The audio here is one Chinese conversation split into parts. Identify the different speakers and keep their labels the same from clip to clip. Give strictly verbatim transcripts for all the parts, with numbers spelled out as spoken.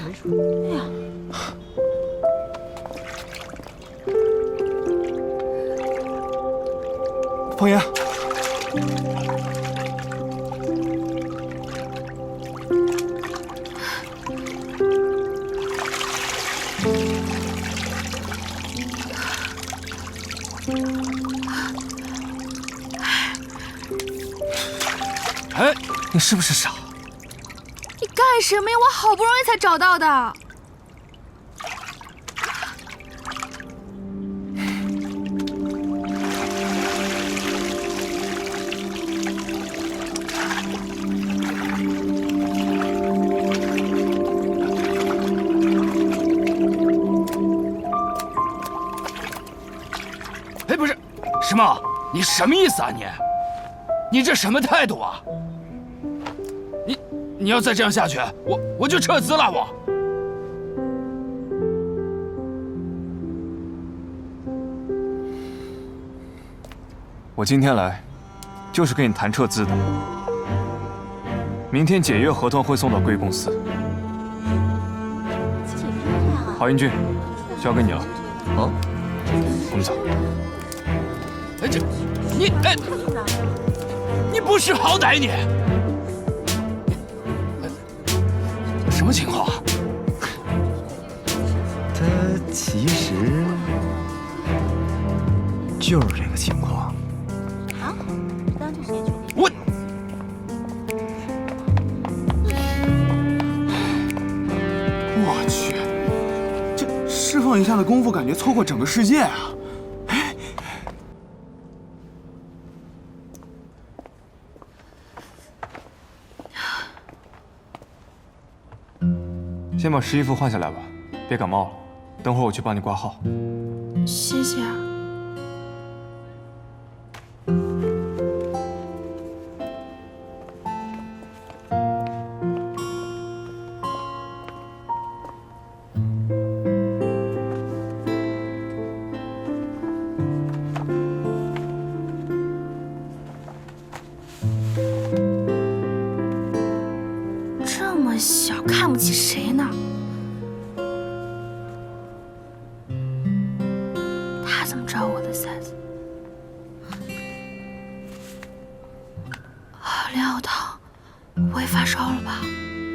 Speaker 1: 哎呀，
Speaker 2: 方言。
Speaker 3: 哎，
Speaker 2: 你是不是傻？
Speaker 1: 你干什么呀？我好不容易才找到的。
Speaker 3: 哎，不是，石梦，你什么意思啊你？你这什么态度啊？你你要再这样下去，我我就撤资了我。
Speaker 2: 我今天来，就是跟你谈撤资的。明天解约合同会送到贵公司。郝英俊，交给你了。好，我们走。
Speaker 3: 哎，这你哎。 你不识好歹你！什么情况啊？
Speaker 4: 他其实就是这个情况。
Speaker 1: 啊？当这谁决定？
Speaker 3: 我，
Speaker 5: 我去，这释放一下的功夫，感觉错过整个世界啊！
Speaker 2: 先把湿衣服换下来吧，别感冒了。等会儿我去帮你挂号。
Speaker 1: 谢谢啊。这么小，看不起谁呢？他怎么知道我的 size？ 啊，莲藕汤，不会发烧了吧？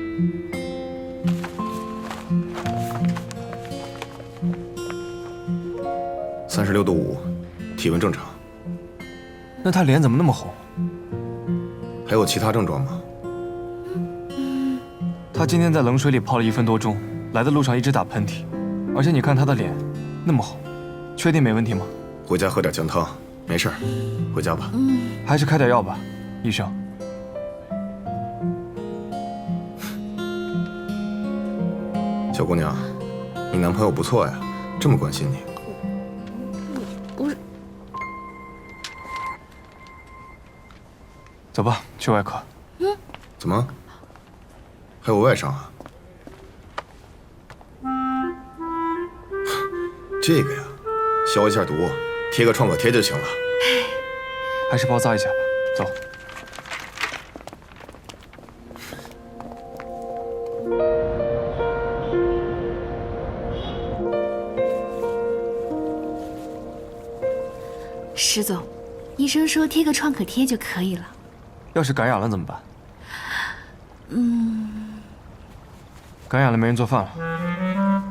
Speaker 6: 三十六度五，体温正常。
Speaker 2: 那他脸怎么那么红？
Speaker 6: 还有其他症状吗？
Speaker 2: 他今天在冷水里泡了一分多钟，来的路上一直打喷嚏，而且你看他的脸那么红，确定没问题吗？
Speaker 6: 回家喝点姜汤，没事儿，回家吧。
Speaker 2: 还是开点药吧，医生。
Speaker 6: 小姑娘，你男朋友不错呀，这么关心你。
Speaker 1: 不是，
Speaker 2: 走吧，去外科。
Speaker 1: 嗯，
Speaker 6: 怎么？ 还有外伤啊？这个呀，消一下毒，贴个创可贴就行了。
Speaker 2: 还是包扎一下吧。走。
Speaker 1: 石总，医生说贴个创可贴就可以了。
Speaker 2: 要是感染了怎么办？
Speaker 1: 嗯。
Speaker 2: 感染了没人做饭了。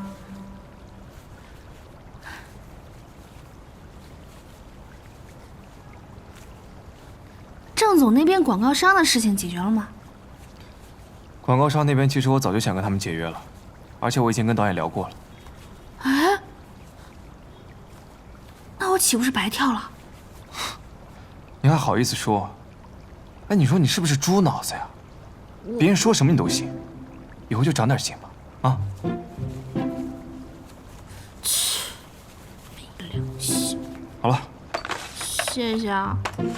Speaker 1: 郑总那边广告商的事情解决了吗？
Speaker 2: 广告商那边其实我早就想跟他们解约了，而且我已经跟导演聊过了。
Speaker 1: 哎，那我岂不是白跳了？
Speaker 2: 你还好意思说？哎，你说你是不是猪脑子呀？别人说什么你都信。 以后就长点心吧，啊！
Speaker 1: 切，没良心。
Speaker 2: 好了，
Speaker 1: 谢谢啊，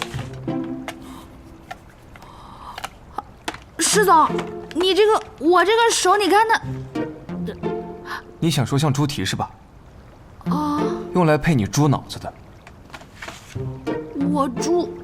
Speaker 1: 石总，你这个我这个手，你看它，
Speaker 2: 你想说像猪蹄是吧？
Speaker 1: 啊，
Speaker 2: 用来配你猪脑子的。
Speaker 1: 我猪。